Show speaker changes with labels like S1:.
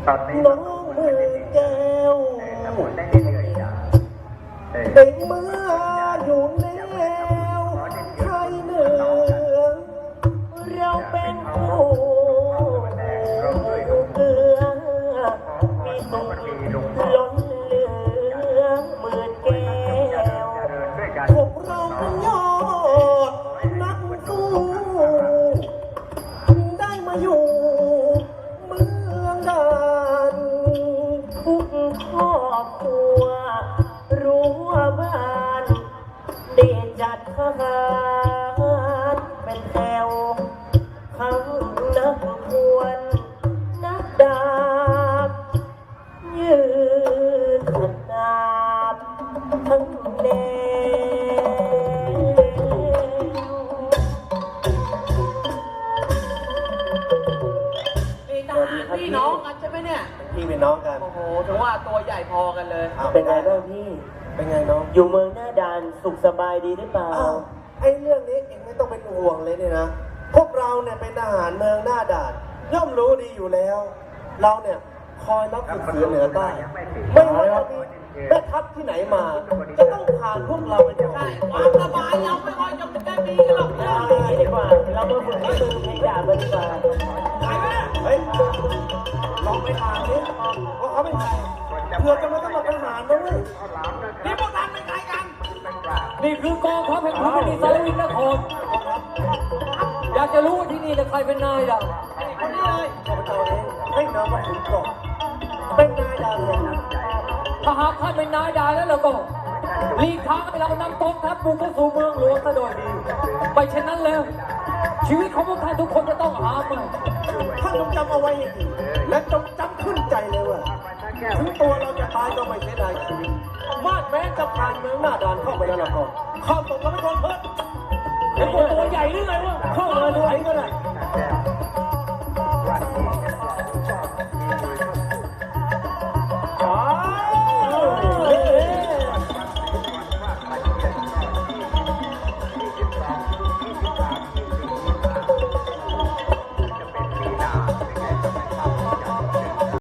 S1: น้องมือแก้วเป็นเมื่ออยู่แนวไทยเหนือเราเป็นผู้เกลือมีสุขล้นเหลือหมื่นแก้วพวกเราเป็นยอดนักสู้ได้มาอยู่เมืองด่านทุกครอบครัวรู้ว่าบ้านเด่นจัดทหารเป็นแถวทั้งนักควรนักดาบยืนขัดดาบทั้งแน
S2: พี่น้องกันใช่ไหมเนี่ย
S1: พี่เป็นน้องกัน
S2: โอ้โหถึงว่าตัวใหญ่พอกันเลย
S1: เป็นไงบ้างพี่เป็นไงน้องอยู่เมืองหน้าด่านสุขสบายดีหรือเปล่าไอ้เรื่องนี้เองไม่ต้องเป็นห่วงเลยเนี่ยนะพวกเราเนี่ยเป็นทหารเมืองหน้าด่านย่อมรู้ดีอยู่แล้ว เราเนี่ยคอยรับฝึกฝืนเหนือใต้ไม่ว่าจะมีแม่ทัพที่ไหนมาจะต้องผ่านพวกเราไปได้
S2: ใช่ความสบายเราไม่ค่อยจะได้มีกันหรอกนะ
S1: ดีกว่าเรามาฝึกที่เมืองเพลงด่ากันดีกว่าเฮ้ยลองไปถามดิว่าเขาเป็นใครเพื่อจะมาสมัครทหารนะเว้ย
S2: นี่พวกท่านเป็นใครกัน
S3: นี่คือกองทัพแห่งพระนิสารวินนครอยากจะรู้ว่าที่นี่จะใครเป็นนายล่ะ
S2: คนนี้เลย
S1: ข้าพเจ้าเองให้นามว่าขุนกรอบเป็นนายดาวเลยนะ
S3: ถ้าหากท่านเป็นนายดาแล้วเราก็รีบทางให้เรานำกองทัพบุกเข้าสู่เมืองหลวงซะโดยดีไปเช่นนั้นแล้ว ชีวิตของพวกท่านทุกคนจะต้องหาใหม่
S1: ท่านจงจำเอาไว้ให้ดีและจงจำขึ้นใจเลยว่าถึงตัวเราจะตายก็ไม่เสียดายชีวิตมาดแม้จะผ่านเมืองหน้าด่านเข้าไปแล้วล่ะก็ข้าตกเราไม่โดนเพิ่